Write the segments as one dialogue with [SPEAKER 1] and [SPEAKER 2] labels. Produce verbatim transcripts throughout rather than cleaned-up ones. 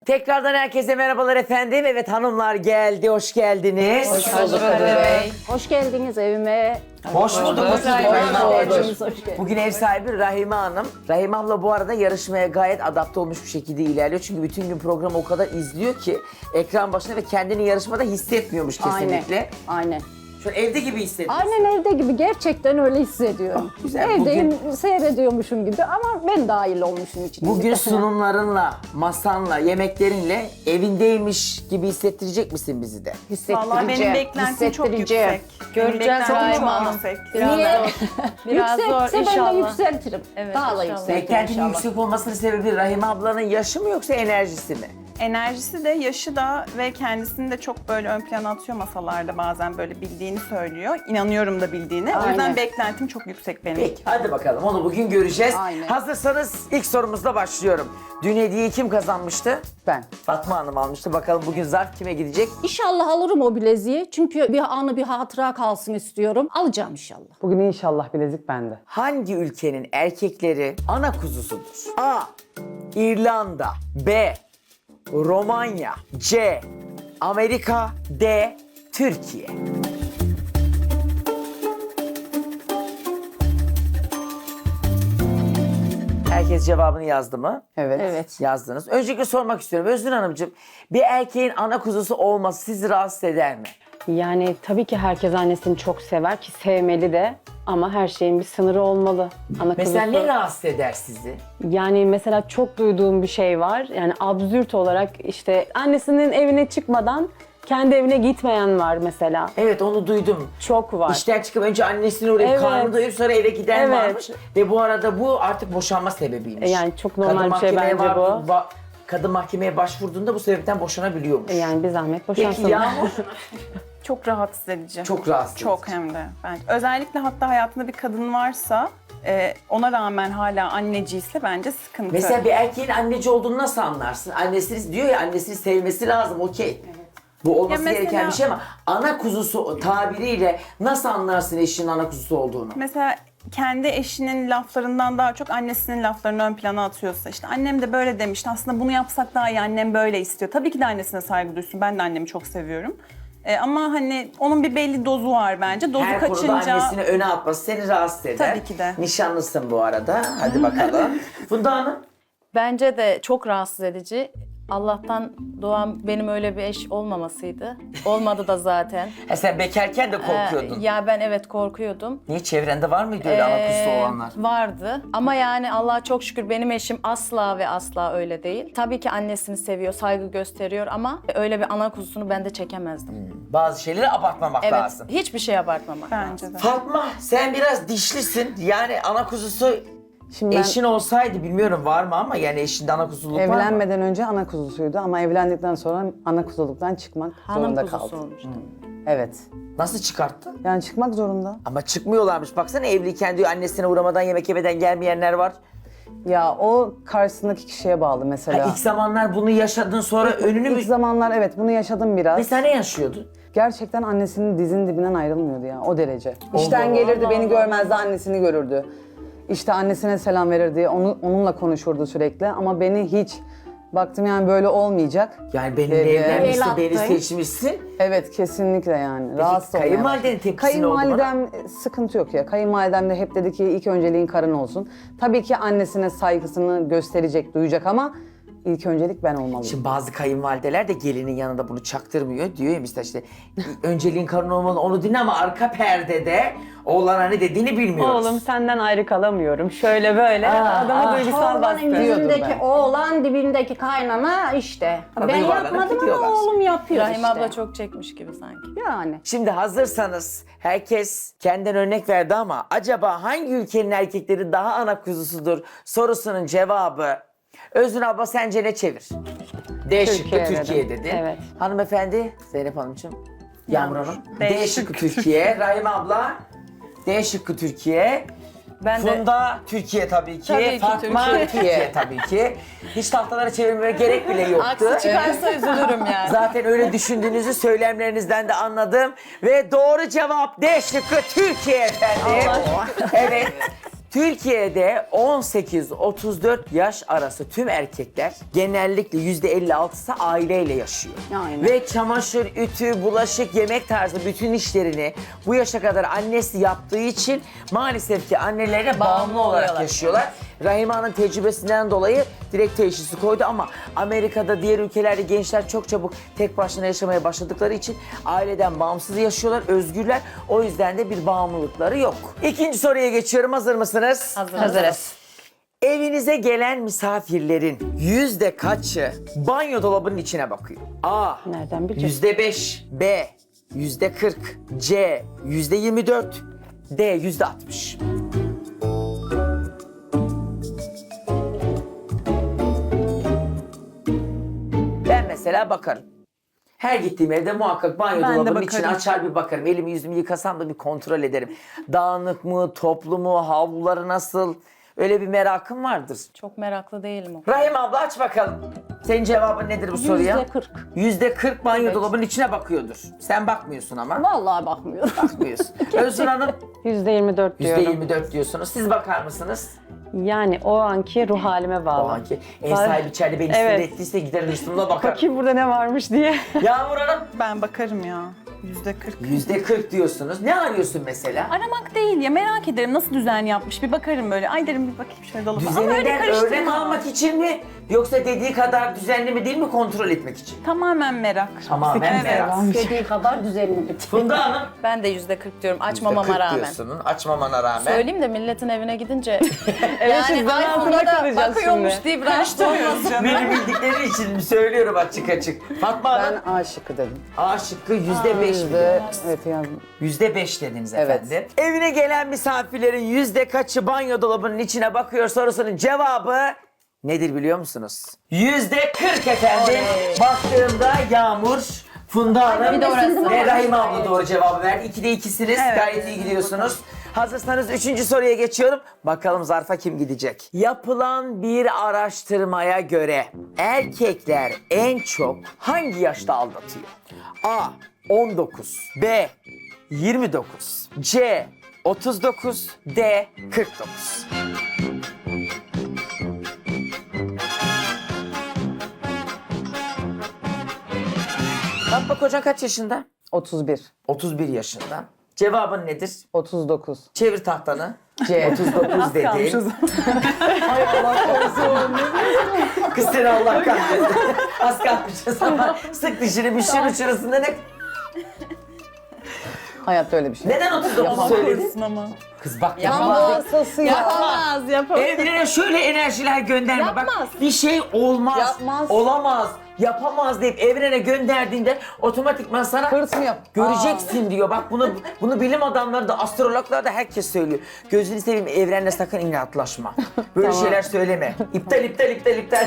[SPEAKER 1] Tekrardan herkese merhabalar efendim. Evet hanımlar geldi, hoş geldiniz.
[SPEAKER 2] Hoş bulduk Kadir Bey.
[SPEAKER 3] Hoş geldiniz evime.
[SPEAKER 1] Hoş bulduk. Hoş bulduk.
[SPEAKER 3] Hoş
[SPEAKER 1] Rahime
[SPEAKER 3] geldiniz,
[SPEAKER 1] abla.
[SPEAKER 3] hoş geldiniz.
[SPEAKER 1] Bugün ev sahibi Rahime Hanım. Rahime abla bu arada yarışmaya gayet adapte olmuş bir şekilde ilerliyor. Çünkü bütün gün programı o kadar izliyor ki ekran başında ve kendini yarışmada hissetmiyormuş kesinlikle.
[SPEAKER 3] Aynen. Aynen.
[SPEAKER 1] Şu an evde gibi hissediyor.
[SPEAKER 3] Aynen evde gibi gerçekten öyle hissediyorum.
[SPEAKER 1] Ah, güzel.
[SPEAKER 3] Evdeyim seyrediyormuşum gibi ama ben dahil olmuşum içine.
[SPEAKER 1] Bugün sunumlarınla, masanla, yemeklerinle evindeymiş gibi hissettirecek misin bizi de?
[SPEAKER 2] Vallahi benim beklentim çok
[SPEAKER 3] hissettireceğim.
[SPEAKER 2] yüksek.
[SPEAKER 4] Göreceğiz
[SPEAKER 2] Benim beklentim
[SPEAKER 4] Rahime
[SPEAKER 2] çok
[SPEAKER 4] Hanım.
[SPEAKER 2] yüksek.
[SPEAKER 4] Biraz
[SPEAKER 3] Niye?
[SPEAKER 4] zor. Biraz zor
[SPEAKER 3] Yüksekse ben de
[SPEAKER 4] inşallah.
[SPEAKER 3] yükseltirim.
[SPEAKER 4] Evet,
[SPEAKER 3] Daha da
[SPEAKER 4] inşallah.
[SPEAKER 3] yükseltirim
[SPEAKER 1] Beklentinin
[SPEAKER 3] inşallah.
[SPEAKER 1] yüksek olmasının sebebi Rahime ablanın yaşı mı yoksa enerjisi mi?
[SPEAKER 2] Enerjisi de, yaşı da ve kendisini de çok böyle ön plana atıyor masalarda, bazen böyle bildiğini söylüyor. İnanıyorum da bildiğini. O
[SPEAKER 3] Aynen.
[SPEAKER 2] yüzden beklentim çok yüksek benim.
[SPEAKER 1] Peki hadi bakalım onu bugün göreceğiz.
[SPEAKER 3] Aynen.
[SPEAKER 1] Hazırsanız ilk sorumuzla başlıyorum. Dün hediyeyi kim kazanmıştı?
[SPEAKER 3] Ben.
[SPEAKER 1] Fatma Hanım almıştı. Bakalım bugün zarf kime gidecek?
[SPEAKER 3] İnşallah alırım o bileziği. Çünkü bir anı bir hatıra kalsın istiyorum. Alacağım inşallah.
[SPEAKER 5] Bugün inşallah bilezik bende.
[SPEAKER 1] Hangi ülkenin erkekleri ana kuzusudur? A. İrlanda B. Romanya C. Amerika D. Türkiye. Herkes cevabını yazdı mı?
[SPEAKER 5] Evet.
[SPEAKER 3] Evet.
[SPEAKER 1] Yazdınız. Öncelikle sormak istiyorum. Özgür Hanımcığım, bir erkeğin ana kuzusu olması sizi rahatsız eder mi?
[SPEAKER 6] Yani tabii ki herkes annesini çok sever ki sevmeli de ama her şeyin bir sınırı olmalı. Ana
[SPEAKER 1] Mesela
[SPEAKER 6] kuzusu-
[SPEAKER 1] ne rahatsız eder sizi?
[SPEAKER 6] Yani mesela çok duyduğum bir şey var. Yani absürt olarak işte annesinin evine çıkmadan kendi evine gitmeyen var mesela.
[SPEAKER 1] Evet onu duydum.
[SPEAKER 6] Çok var.
[SPEAKER 1] İşten çıkıp önce annesini uğrayıp
[SPEAKER 6] Evet.
[SPEAKER 1] karnını doyurup sonra eve giden
[SPEAKER 6] Evet.
[SPEAKER 1] varmış. Ve bu arada bu artık boşanma sebebiymiş.
[SPEAKER 6] Yani çok normal
[SPEAKER 1] Kadın
[SPEAKER 6] bir şey
[SPEAKER 1] mahkemeye
[SPEAKER 6] bence bu.
[SPEAKER 1] va- kadın mahkemeye başvurduğunda bu sebepten boşanabiliyormuş.
[SPEAKER 6] Yani bir zahmet boşansın.
[SPEAKER 1] Peki Yağmur?
[SPEAKER 2] Çok rahatsız edici.
[SPEAKER 1] Çok rahatsız
[SPEAKER 2] Çok
[SPEAKER 1] edici.
[SPEAKER 2] hem de. Bence. Özellikle hatta hayatında bir kadın varsa, e, ona rağmen hala anneciyse bence sıkıntı.
[SPEAKER 1] Mesela bir erkeğin anneci olduğunu nasıl anlarsın? Annesini diyor ya annesini sevmesi lazım okey. Bu olması
[SPEAKER 2] Ya mesela-
[SPEAKER 1] gereken bir şey ama ana kuzusu tabiriyle nasıl anlarsın eşinin ana kuzusu olduğunu?
[SPEAKER 2] Mesela kendi eşinin laflarından daha çok annesinin laflarını ön plana atıyorsa, işte annem de böyle demişti, aslında bunu yapsak daha iyi, annem böyle istiyor. Tabii ki de annesine saygı duysun, ben de annemi çok seviyorum. Ee, ama hani onun bir belli dozu var bence. Dozu
[SPEAKER 1] Her konuda
[SPEAKER 2] kaçınca...
[SPEAKER 1] annesini öne atması seni rahatsız eder.
[SPEAKER 2] Tabii ki de.
[SPEAKER 1] Nişanlısın bu arada. Hadi bakalım. Funda Hanım.
[SPEAKER 4] Bence de çok rahatsız edici. Allah'tan doğan benim öyle bir eş olmamasıydı. Olmadı da zaten.
[SPEAKER 1] Ha, sen bekarken de korkuyordun.
[SPEAKER 4] Ee, ya ben evet korkuyordum.
[SPEAKER 1] Niye çevrende var mıydı öyle ana kuzusu
[SPEAKER 4] Ee,
[SPEAKER 1] olanlar?
[SPEAKER 4] Vardı ama yani Allah'a çok şükür benim eşim asla ve asla öyle değil. Tabii ki annesini seviyor, saygı gösteriyor ama öyle bir ana kuzusunu ben de çekemezdim.
[SPEAKER 1] Bazı şeyleri abartmamak
[SPEAKER 4] Evet,
[SPEAKER 1] lazım.
[SPEAKER 4] hiçbir şey abartmamak
[SPEAKER 2] Bence
[SPEAKER 4] lazım.
[SPEAKER 2] de.
[SPEAKER 1] Fatma sen biraz dişlisin. Yani ana kuzusu
[SPEAKER 5] Şimdi ben
[SPEAKER 1] eşin olsaydı bilmiyorum var mı ama yani eşinde ana kuzuluk var mı?
[SPEAKER 5] evlenmeden önce ana kuzusuydu ama evlendikten sonra ana kuzuluktan çıkmak
[SPEAKER 4] Hanım
[SPEAKER 5] zorunda
[SPEAKER 4] kuzusu
[SPEAKER 5] kaldı.
[SPEAKER 4] olmuştum.
[SPEAKER 5] Evet.
[SPEAKER 1] Nasıl çıkarttı?
[SPEAKER 5] Yani çıkmak zorunda.
[SPEAKER 1] Ama çıkmıyorlarmış. Baksana evliyken diyor annesine uğramadan yemek yemeden gelmeyenler var.
[SPEAKER 5] Ya o karşısındaki kişiye bağlı
[SPEAKER 1] Ha,
[SPEAKER 5] mesela.
[SPEAKER 1] ilk zamanlar bunu yaşadın sonra önünü mü...
[SPEAKER 5] İlk zamanlar evet bunu yaşadım biraz.
[SPEAKER 1] Mesela ne yaşıyordun?
[SPEAKER 5] Gerçekten annesinin dizinin dibinden ayrılmıyordu ya o derece. İşten
[SPEAKER 1] Allah
[SPEAKER 5] gelirdi
[SPEAKER 4] Allah
[SPEAKER 5] beni
[SPEAKER 4] Allah.
[SPEAKER 5] görmezdi annesini görürdü. İşte annesine selam verirdi, onu, onunla konuşurdu sürekli ama beni hiç baktım yani böyle olmayacak.
[SPEAKER 1] Yani benimle
[SPEAKER 5] Dedi.
[SPEAKER 1] evlenmişsin,
[SPEAKER 3] El
[SPEAKER 1] beni
[SPEAKER 3] attın.
[SPEAKER 1] seçmişsin.
[SPEAKER 5] Evet kesinlikle yani. Rahatsız olmaya
[SPEAKER 1] kayınvalidenin
[SPEAKER 5] başladım.
[SPEAKER 1] tepkisi ne oldu bana?
[SPEAKER 5] Kayınvalidem sıkıntı yok ya. Kayınvalidem de hep dedi ki ilk önceliğin karın olsun. Tabii ki annesine saygısını gösterecek, duyacak ama ilk öncelik ben olmalıyım.
[SPEAKER 1] Şimdi bazı kayınvalideler de gelinin yanında bunu çaktırmıyor. Diyor ya mesela işte önceliğin karın olmalı onu dinle ama arka perdede oğlana ne dediğini bilmiyoruz.
[SPEAKER 6] Oğlum senden ayrı kalamıyorum. Şöyle böyle
[SPEAKER 1] Aa,
[SPEAKER 6] adama
[SPEAKER 1] aa.
[SPEAKER 6] duygusal baskı.
[SPEAKER 3] Oğlanın
[SPEAKER 5] Diyordum
[SPEAKER 3] yüzündeki
[SPEAKER 5] ben.
[SPEAKER 3] oğlan, dibindeki kaynana işte.
[SPEAKER 1] Tabii
[SPEAKER 3] Ben
[SPEAKER 1] yuvarlanıp
[SPEAKER 3] yapmadım
[SPEAKER 1] gidiyorlar.
[SPEAKER 3] ama oğlum yapıyor
[SPEAKER 4] Rahim
[SPEAKER 3] işte.
[SPEAKER 4] abla çok çekmiş gibi sanki.
[SPEAKER 3] Yani.
[SPEAKER 1] Şimdi hazırsanız herkes kendinden örnek verdi ama acaba hangi ülkenin erkekleri daha ana kuzusudur sorusunun cevabı Özgün abla sence ne çevir? D şıkkı
[SPEAKER 6] Türkiye dedim.
[SPEAKER 1] Türkiye dedi.
[SPEAKER 6] Evet.
[SPEAKER 1] Hanımefendi Zeynep Hanımcığım. Yağmur
[SPEAKER 2] Yağmur.
[SPEAKER 1] Hanım.
[SPEAKER 2] D
[SPEAKER 1] D şıkkı Türkiye. Rahime abla. D şıkkı Türkiye.
[SPEAKER 4] Ben de
[SPEAKER 1] Funda Türkiye tabii ki.
[SPEAKER 4] Tabii ki
[SPEAKER 1] Fatma
[SPEAKER 4] Türkiye.
[SPEAKER 1] Türkiye tabii ki. Hiç tahtalara çevirmeye gerek bile yoktu.
[SPEAKER 4] aksi çıkarsa üzülürüm yani.
[SPEAKER 1] Zaten öyle düşündüğünüzü söylemlerinizden de anladım. Ve doğru cevap D şıkkı Türkiye efendim. Evet. Türkiye'de on sekiz otuz dört yaş arası tüm erkekler genellikle yüzde elli altısı aileyle yaşıyor.
[SPEAKER 3] Aynen.
[SPEAKER 1] Ve çamaşır, ütü, bulaşık, yemek tarzı bütün işlerini bu yaşa kadar annesi yaptığı için maalesef ki annelerine bağımlı olarak
[SPEAKER 4] oluyorlar.
[SPEAKER 1] yaşıyorlar. Rahime Hanım tecrübesinden dolayı direkt teşhisi koydu ama Amerika'da, diğer ülkelerde gençler çok çabuk tek başına yaşamaya başladıkları için aileden bağımsız yaşıyorlar, özgürler. O yüzden de bir bağımlılıkları yok. İkinci soruya geçiyorum. Hazır mısınız?
[SPEAKER 4] Hazırız.
[SPEAKER 1] Evinize gelen misafirlerin yüzde kaçı banyo dolabının içine bakıyor? A.
[SPEAKER 6] Nereden bileceğiz?
[SPEAKER 1] Yüzde beş. B. Yüzde kırk. C. Yüzde yirmi dört. D. Yüzde altmış. Ben mesela bakarım. Her gittiğim evde muhakkak banyo
[SPEAKER 2] Ben de
[SPEAKER 1] dolabının içine
[SPEAKER 2] bakarım.
[SPEAKER 1] açar bir bakarım. Elimi yüzümü yıkasam da bir kontrol ederim. Dağınık mı, toplu mu, havluları nasıl? Öyle bir merakım vardır.
[SPEAKER 4] Çok meraklı değilim o.
[SPEAKER 1] Rahim abla aç bakalım. Senin cevabın nedir bu soruya?
[SPEAKER 3] Yüzde kırk.
[SPEAKER 1] Yüzde kırk banyo dolabının içine bakıyordur. Sen bakmıyorsun ama.
[SPEAKER 3] Vallahi bakmıyorum.
[SPEAKER 1] Bakmıyorsun. Özgür Hanım
[SPEAKER 6] yüzde yirmi dört
[SPEAKER 1] yüzde
[SPEAKER 6] diyorum.
[SPEAKER 1] yirmi dört diyorsunuz. Siz bakar mısınız?
[SPEAKER 6] Yani o anki ruh halime bağlı.
[SPEAKER 1] O anki ev
[SPEAKER 6] Var-
[SPEAKER 1] sahibi içeride beni
[SPEAKER 6] Evet.
[SPEAKER 1] sinir ettiyse gider üstümde bakar.
[SPEAKER 6] Bakayım burada ne varmış diye.
[SPEAKER 1] Yağmur Hanım
[SPEAKER 2] Ben bakarım ya. Yüzde kırk.
[SPEAKER 1] yüzde kırk diyorsunuz. Ne arıyorsun mesela?
[SPEAKER 2] Aramak değil ya, merak ederim nasıl düzen yapmış, bir bakarım böyle. Ay derim bir bakayım şöyle dolaba. Ama öyle
[SPEAKER 1] Düzeninden örnek
[SPEAKER 2] karıştırma.
[SPEAKER 1] almak için mi? Yoksa dediği kadar düzenli mi değil mi kontrol etmek için?
[SPEAKER 2] Tamamen merak.
[SPEAKER 1] Tamamen
[SPEAKER 2] Evet.
[SPEAKER 1] merak.
[SPEAKER 3] Dediği kadar düzenli bir
[SPEAKER 1] Funda Hanım.
[SPEAKER 4] Ben de yüzde kırk diyorum
[SPEAKER 1] yüzde
[SPEAKER 4] açmamama
[SPEAKER 1] kırk
[SPEAKER 4] rağmen.
[SPEAKER 1] diyorsun, açmamana rağmen.
[SPEAKER 4] Söyleyeyim de milletin evine gidince
[SPEAKER 6] Evet, siz zan
[SPEAKER 4] ay
[SPEAKER 6] altında
[SPEAKER 4] Funda da
[SPEAKER 6] kalacağız
[SPEAKER 4] bakıyormuş
[SPEAKER 6] şimdi.
[SPEAKER 4] deyip rahatsız olmasın.
[SPEAKER 1] Beni bildikleri için söylüyorum açık açık. Fatma Hanım.
[SPEAKER 5] Ben A şıkkı dedim.
[SPEAKER 1] A şıkkı yüzde beş mi?
[SPEAKER 5] Yüzde, evet yazdım.
[SPEAKER 1] Yüzde beş dediniz
[SPEAKER 5] Evet.
[SPEAKER 1] efendim. Evine gelen misafirlerin yüzde kaçı banyo dolabının içine bakıyor sorusunun cevabı nedir biliyor musunuz? Yüzde kırk efendim. Baktığımda Yağmur, Funda Hanım
[SPEAKER 4] bir de orası.
[SPEAKER 1] ve Rahime abla doğru cevabı verdi. İkide ikisiniz.
[SPEAKER 2] Evet.
[SPEAKER 1] Gayet iyi gidiyorsunuz. Hazırsanız üçüncü soruya geçiyorum. Bakalım zarfa kim gidecek? Yapılan bir araştırmaya göre erkekler en çok hangi yaşta aldatıyor? A. on dokuz. B. yirmi dokuz. C. otuz dokuz. D. kırk dokuz. Fatma kocan kaç yaşında?
[SPEAKER 5] otuz bir.
[SPEAKER 1] otuz bir yaşında. Cevabın nedir?
[SPEAKER 5] otuz dokuz.
[SPEAKER 1] Çevir tahtanı.
[SPEAKER 5] C.
[SPEAKER 1] otuz dokuz dedin. Hay Allah korusun. Kız seni Allah kahretsin. Az kalmışız ama sık dişini bir şırı şırısında ne?
[SPEAKER 5] Hayatta öyle bir şey.
[SPEAKER 1] Neden otuz dokuz söyledin?
[SPEAKER 2] Korusun ama.
[SPEAKER 1] Kız bak
[SPEAKER 5] Tam
[SPEAKER 1] yapamaz.
[SPEAKER 5] hastası ya.
[SPEAKER 4] Yapamaz, yapamaz.
[SPEAKER 1] Evlere şöyle enerjiler gönderme.
[SPEAKER 4] Yapmaz.
[SPEAKER 1] Bak bir şey olmaz.
[SPEAKER 5] Yapmaz.
[SPEAKER 1] Olamaz. Yapamaz deyip evrene gönderdiğinde otomatikman sana
[SPEAKER 5] Hırs mı yap?
[SPEAKER 1] göreceksin diyor. Bak bunu bunu bilim adamları da astrologlar da herkes söylüyor. Gözünü seveyim evrenle sakın inatlaşma. Böyle şeyler söyleme. İptal iptal iptal iptal.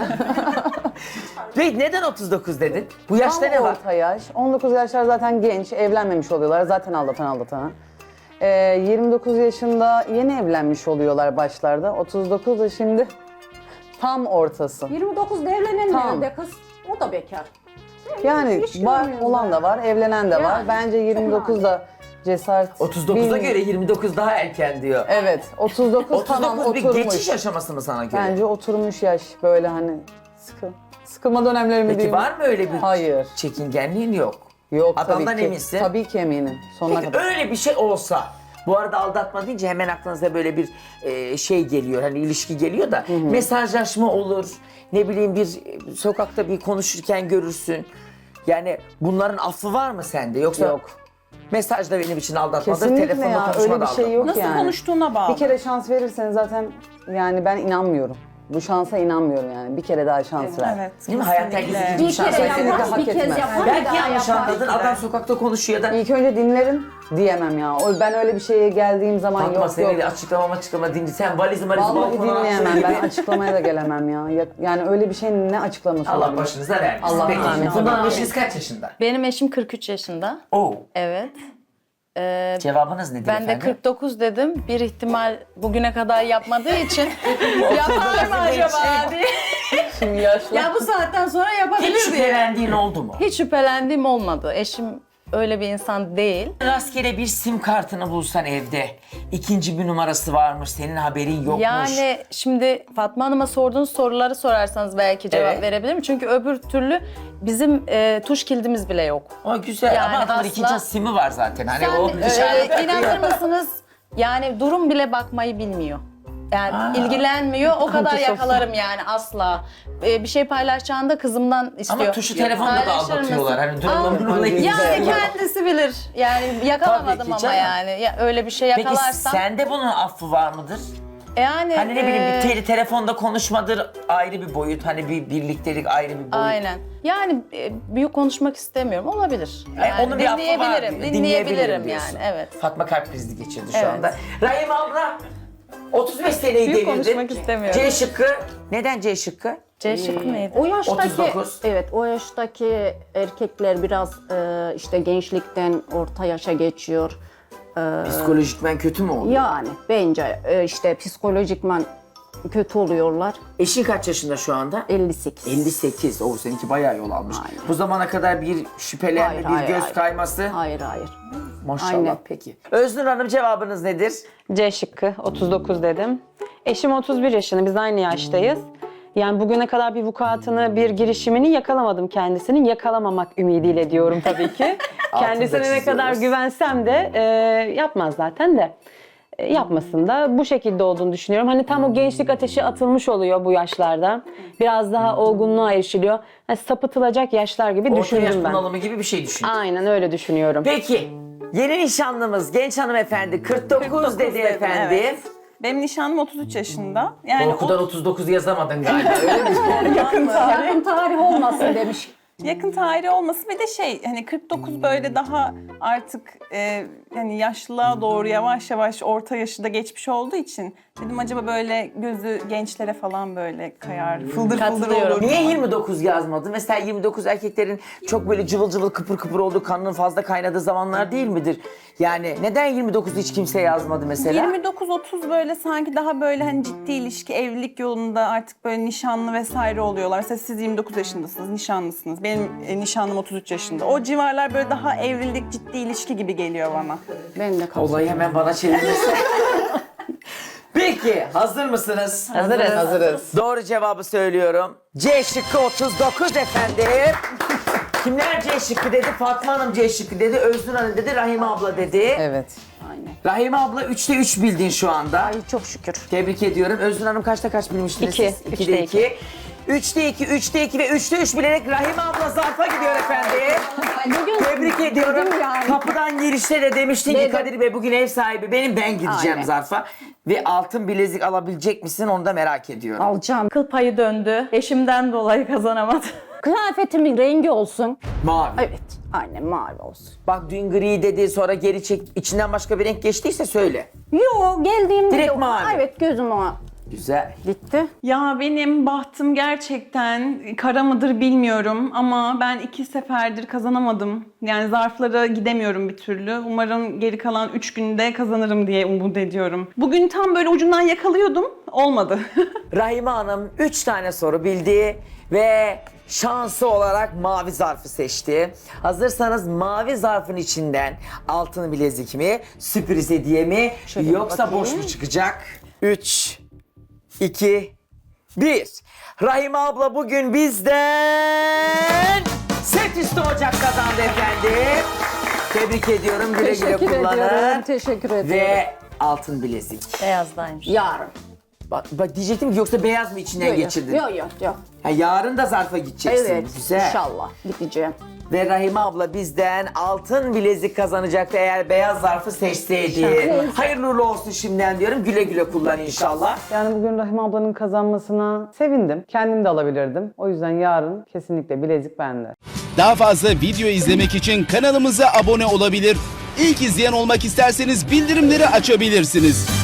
[SPEAKER 1] Peki neden otuz dokuz dedin? Bu yaşta
[SPEAKER 5] Tam
[SPEAKER 1] ne var?
[SPEAKER 5] orta yaş. on dokuz yaşlar zaten genç, evlenmemiş oluyorlar. Zaten aldatan aldatana. Ee, yirmi dokuz yaşında yeni evlenmiş oluyorlar başlarda. otuz dokuz da şimdi tam ortası.
[SPEAKER 3] yirmi dokuzda evlenen
[SPEAKER 5] Tamam.
[SPEAKER 3] nerede kız? O da bekar.
[SPEAKER 5] Yani
[SPEAKER 3] Hiç
[SPEAKER 5] var,
[SPEAKER 3] görmüyorum
[SPEAKER 5] olan
[SPEAKER 3] ben.
[SPEAKER 5] da var, evlenen de var.
[SPEAKER 3] Yani.
[SPEAKER 5] Bence yirmi dokuzda cesaret...
[SPEAKER 1] otuz dokuza
[SPEAKER 5] Bil-
[SPEAKER 1] göre yirmi dokuz daha erken diyor.
[SPEAKER 5] Evet, otuz dokuz
[SPEAKER 1] otuz
[SPEAKER 5] tamam
[SPEAKER 1] dokuz bir
[SPEAKER 5] oturmuş.
[SPEAKER 1] geçiş aşaması mı sana göre?
[SPEAKER 5] Bence oturmuş yaş böyle hani sıkı, sıkılma dönemleri mi
[SPEAKER 1] Peki
[SPEAKER 5] diyeyim?
[SPEAKER 1] var mı öyle bir
[SPEAKER 5] Hayır.
[SPEAKER 1] çekingenliğin yok?
[SPEAKER 5] Yok
[SPEAKER 1] Adamdan
[SPEAKER 5] tabii ki.
[SPEAKER 1] eminsin.
[SPEAKER 5] Tabii ki eminim. Sonuna
[SPEAKER 1] Peki
[SPEAKER 5] kadar.
[SPEAKER 1] öyle bir şey olsa, bu arada aldatma deyince hemen aklınıza böyle bir e, şey geliyor, hani ilişki geliyor da mesajlaşma olur, ne bileyim bir e, sokakta bir konuşurken görürsün. Yani bunların affı var mı sende yoksa?
[SPEAKER 5] Yok.
[SPEAKER 1] Mesaj da benim için aldatmadır,
[SPEAKER 5] Kesinlikle
[SPEAKER 1] telefonla
[SPEAKER 5] ya,
[SPEAKER 1] konuşma
[SPEAKER 5] öyle
[SPEAKER 1] da
[SPEAKER 5] bir şey yok
[SPEAKER 2] Nasıl
[SPEAKER 5] yani.
[SPEAKER 2] konuştuğuna bağlı.
[SPEAKER 5] Bir kere şans verirseniz zaten yani ben inanmıyorum. Bu şansa inanmıyorum yani. Bir kere daha şans ver.
[SPEAKER 2] Evet.
[SPEAKER 1] Değil mi? Hayat
[SPEAKER 2] kesinlikle.
[SPEAKER 1] aldatma. Bir
[SPEAKER 3] Bir
[SPEAKER 1] şans
[SPEAKER 3] kere
[SPEAKER 1] verelim.
[SPEAKER 3] yapar,
[SPEAKER 5] hak
[SPEAKER 3] bir kez
[SPEAKER 5] etmez.
[SPEAKER 3] yapar, bir
[SPEAKER 1] Belki
[SPEAKER 3] daha
[SPEAKER 1] yanlış
[SPEAKER 3] yapar.
[SPEAKER 1] anladın, adam sokakta konuşuyor da
[SPEAKER 5] İlk önce dinlerim diyemem ya. O ben öyle bir şeye geldiğim zaman
[SPEAKER 1] Fatma
[SPEAKER 5] yok
[SPEAKER 1] seni
[SPEAKER 5] yok.
[SPEAKER 1] de açıklama açıklama dinle. Sen valizi malizi
[SPEAKER 5] Vallahi
[SPEAKER 1] balkona
[SPEAKER 5] dinleyemem.
[SPEAKER 1] attığın
[SPEAKER 5] Ben
[SPEAKER 1] gibi.
[SPEAKER 5] açıklamaya da gelemem ya. Ya- Yani öyle bir şeyin ne açıklaması
[SPEAKER 1] Allah
[SPEAKER 5] olabilir?
[SPEAKER 1] başınıza vermesin.
[SPEAKER 5] Allah
[SPEAKER 1] Peki,
[SPEAKER 5] amin.
[SPEAKER 1] Funda'nın eşiniz kaç yaşında?
[SPEAKER 4] Benim eşim kırk üç yaşında.
[SPEAKER 1] Oo.
[SPEAKER 4] Evet. Ee,
[SPEAKER 1] Cevabınız nedir
[SPEAKER 4] ben de
[SPEAKER 1] efendim?
[SPEAKER 4] kırk dokuz dedim. Bir ihtimal bugüne kadar yapmadığı için yapar mı acaba diye.
[SPEAKER 5] Şimdi yaşlı.
[SPEAKER 4] Ya bu saatten sonra
[SPEAKER 1] Hiç
[SPEAKER 4] yapabilir diye.
[SPEAKER 1] şüphelendiğin oldu mu?
[SPEAKER 4] Hiç şüphelendiğim olmadı. Eşim öyle bir insan değil.
[SPEAKER 1] Rastgele bir sim kartını bulsan evde. İkinci bir numarası varmış, senin haberin yokmuş.
[SPEAKER 4] Yani şimdi Fatma Hanım'a sorduğunuz soruları sorarsanız belki cevap
[SPEAKER 1] Evet.
[SPEAKER 4] verebilirim. Çünkü öbür türlü bizim e, tuş kilidimiz bile yok.
[SPEAKER 1] O güzel
[SPEAKER 4] Yani
[SPEAKER 1] ama adamın
[SPEAKER 4] asla-
[SPEAKER 1] ikinci simi var zaten. Hani
[SPEAKER 4] Sen
[SPEAKER 1] o dışarıda
[SPEAKER 4] e, inanır mısınız? Yani durum bile bakmayı bilmiyor. Yani ilgilenmiyor. O kadar yakalarım yani asla. Ee, bir şey paylaşacağında kızımdan istiyor.
[SPEAKER 1] Ama tuşu telefonda da
[SPEAKER 4] Paylaşır
[SPEAKER 1] aldatıyorlar.
[SPEAKER 4] mısın?
[SPEAKER 1] Hani durumda durumda
[SPEAKER 4] Yani kendisi bilir. Yani yakalamadım
[SPEAKER 1] Tabii ki
[SPEAKER 4] ama
[SPEAKER 1] canım.
[SPEAKER 4] yani. Ya, öyle bir şey
[SPEAKER 1] Peki
[SPEAKER 4] yakalarsam.
[SPEAKER 1] sende bunun affı var mıdır?
[SPEAKER 4] Yani
[SPEAKER 1] Hani ne bileyim
[SPEAKER 4] e,
[SPEAKER 1] bir tele, telefonda konuşmadır ayrı bir boyut. Hani bir birliktelik ayrı bir boyut.
[SPEAKER 4] Aynen. Yani e, büyük konuşmak istemiyorum. Olabilir.
[SPEAKER 1] Yani
[SPEAKER 4] Yani
[SPEAKER 1] onun bir affı var
[SPEAKER 4] dinleyebilirim.
[SPEAKER 1] diyor.
[SPEAKER 4] Dinleyebilirim
[SPEAKER 1] diyorsun.
[SPEAKER 4] yani. Evet.
[SPEAKER 1] Fatma kalp krizi geçirdi şu
[SPEAKER 4] Evet.
[SPEAKER 1] anda. Rahim abla otuz beş seneyi
[SPEAKER 4] Büyük
[SPEAKER 1] devirdin.
[SPEAKER 4] konuşmak istemiyorum.
[SPEAKER 1] C şıkkı. Neden C şıkkı?
[SPEAKER 4] C şıkkı neydi?
[SPEAKER 3] O yaştaki
[SPEAKER 1] otuz dokuz.
[SPEAKER 3] evet o yaştaki erkekler biraz e, işte gençlikten orta yaşa geçiyor.
[SPEAKER 1] Psikolojikmen kötü mü oldu?
[SPEAKER 3] Yani bence e, işte psikolojikman kötü oluyorlar.
[SPEAKER 1] Eşin kaç yaşında şu anda?
[SPEAKER 3] elli sekiz.
[SPEAKER 1] elli sekiz. O seninki bayağı yol almış.
[SPEAKER 3] Aynen.
[SPEAKER 1] Bu zamana kadar bir şüphelenme,
[SPEAKER 3] Hayır,
[SPEAKER 1] bir
[SPEAKER 3] hayır,
[SPEAKER 1] göz
[SPEAKER 3] hayır.
[SPEAKER 1] kayması.
[SPEAKER 3] Hayır hayır.
[SPEAKER 1] Maşallah
[SPEAKER 3] Aynen.
[SPEAKER 1] peki. Öznur Hanım cevabınız nedir?
[SPEAKER 6] C şıkkı otuz dokuz dedim. Eşim otuz bir yaşında, biz aynı yaştayız. Yani bugüne kadar bir vukuatını, bir girişimini yakalamadım kendisinin. Yakalamamak ümidiyle diyorum tabii ki. Kendisine ne kadar
[SPEAKER 1] çiziyoruz.
[SPEAKER 6] güvensem de e, yapmaz zaten de. E, yapmasın da bu şekilde olduğunu düşünüyorum. Hani tam o gençlik ateşi atılmış oluyor bu yaşlarda. Biraz daha olgunluğa erişiliyor. Hani sapıtılacak yaşlar gibi
[SPEAKER 1] Orta yaş
[SPEAKER 6] düşündüm ben.
[SPEAKER 1] bunalımı gibi bir şey düşün.
[SPEAKER 6] Aynen öyle düşünüyorum.
[SPEAKER 1] Peki. Yeni nişanlımız genç hanımefendi kırk dokuz,
[SPEAKER 2] kırk dokuz
[SPEAKER 1] dedi
[SPEAKER 2] dedim,
[SPEAKER 1] efendim.
[SPEAKER 2] evet. Benim nişanlım otuz üç yaşında. Yani
[SPEAKER 1] Korkudan
[SPEAKER 2] o-
[SPEAKER 1] otuz dokuz yazamadın galiba öyle mi?
[SPEAKER 2] yakın
[SPEAKER 3] Yakın tarih olmasın demiş.
[SPEAKER 2] Yakın tarihi olması bir de şey hani kırk dokuz böyle daha artık e, yani yaşlılığa doğru yavaş yavaş orta yaşı da geçmiş olduğu için dedim acaba böyle gözü gençlere falan böyle kayar fıldır fıldır
[SPEAKER 4] Katılıyorum.
[SPEAKER 2] olur.
[SPEAKER 1] Niye yirmi dokuz yazmadın? Mesela yirmi dokuz erkeklerin çok böyle cıvıl cıvıl kıpır kıpır olduğu, kanının fazla kaynadığı zamanlar değil midir? Yani neden yirmi dokuz hiç kimse yazmadı mesela?
[SPEAKER 2] yirmi dokuz otuz böyle sanki daha böyle hani ciddi ilişki, evlilik yolunda artık böyle nişanlı vesaire oluyorlar. Mesela siz yirmi dokuz yaşındasınız, nişanlısınız. Benim e, nişanlım otuz üç yaşında. O civarlar böyle daha evlilik, ciddi ilişki gibi geliyor bana.
[SPEAKER 3] Ben de katılıyorum.
[SPEAKER 1] Olayı hemen bana çevirmesin. Peki hazır mısınız?
[SPEAKER 4] Hazırız.
[SPEAKER 5] Hazırız.
[SPEAKER 1] Doğru cevabı söylüyorum. C şıkkı otuz dokuz efendim. Kimler C şıkkı dedi? Fatma Hanım C şıkkı dedi, Öznur Hanım dedi, Rahime abla dedi.
[SPEAKER 5] Evet.
[SPEAKER 3] Aynen.
[SPEAKER 1] Rahime abla üçte üç bildin şu anda.
[SPEAKER 3] Ay çok şükür.
[SPEAKER 1] Tebrik ediyorum. Öznur Hanım kaçta kaç bilmiştiniz
[SPEAKER 6] İki.
[SPEAKER 1] siz?
[SPEAKER 6] Üçte
[SPEAKER 1] ikide
[SPEAKER 6] iki.
[SPEAKER 1] iki. Üçte iki, üçte iki ve üçte üç bilerek Rahime abla zarfa gidiyor efendim.
[SPEAKER 3] Bugün
[SPEAKER 1] Tebrik ediyorum.
[SPEAKER 3] dedim yani.
[SPEAKER 1] Kapıdan girişte de demiştin ki
[SPEAKER 3] Dedim.
[SPEAKER 1] Kadir Bey bugün ev sahibi benim, ben gideceğim
[SPEAKER 3] Aynen.
[SPEAKER 1] zarfa. Ve altın bilezik alabilecek misin onu da merak ediyorum.
[SPEAKER 3] alacağım.
[SPEAKER 4] Kıl payı döndü. Eşimden dolayı kazanamadım.
[SPEAKER 3] Kıyafetimin rengi olsun.
[SPEAKER 1] Mavi.
[SPEAKER 3] Evet. Aynen mavi olsun.
[SPEAKER 1] Bak dün gri dedi, sonra geri çek, içinden başka bir renk geçtiyse söyle.
[SPEAKER 3] Yo geldiğimde
[SPEAKER 1] Direkt
[SPEAKER 3] de-
[SPEAKER 1] mavi.
[SPEAKER 3] Evet gözüm o
[SPEAKER 1] Güzel.
[SPEAKER 3] gitti.
[SPEAKER 2] Ya benim bahtım gerçekten kara mıdır bilmiyorum ama ben iki seferdir kazanamadım. Yani zarflara gidemiyorum bir türlü. Umarım geri kalan üç günde kazanırım diye umut ediyorum. Bugün tam böyle ucundan yakalıyordum. Olmadı.
[SPEAKER 1] Rahime Hanım üç tane soru bildi ve şansı olarak mavi zarfı seçti. Hazırsanız mavi zarfın içinden altın bilezik mi, sürpriz hediye mi,
[SPEAKER 3] Şöyle
[SPEAKER 1] yoksa
[SPEAKER 3] bakayım.
[SPEAKER 1] boş mu çıkacak? üç, iki, bir. Rahime abla bugün bizden set üstü ocak kazandı efendim. Tebrik ediyorum. Güle güle
[SPEAKER 3] Teşekkür
[SPEAKER 1] kullanın.
[SPEAKER 3] ediyorum. Teşekkür ediyorum.
[SPEAKER 1] Ve altın bilezik.
[SPEAKER 4] Beyazdaymış.
[SPEAKER 3] Yarın.
[SPEAKER 1] Bak, bak diyecektim ki yoksa beyaz mı içinden geçirdin?
[SPEAKER 3] Yok yok yok.
[SPEAKER 1] Ha, yarın da zarfa gideceksin.
[SPEAKER 3] Evet.
[SPEAKER 1] Güzel.
[SPEAKER 3] İnşallah gideceğim.
[SPEAKER 1] Ve Rahime abla bizden altın bilezik kazanacaktı eğer beyaz zarfı seçseydi.
[SPEAKER 3] İnşallah.
[SPEAKER 1] Hayırlı uğurlu olsun şimdiden diyorum. Güle güle kullan inşallah.
[SPEAKER 5] Yani bugün Rahime ablanın kazanmasına sevindim. Kendim de alabilirdim. O yüzden yarın kesinlikle bilezik bende.
[SPEAKER 7] Daha fazla video izlemek için kanalımıza abone olabilir. İlk izleyen olmak isterseniz bildirimleri açabilirsiniz.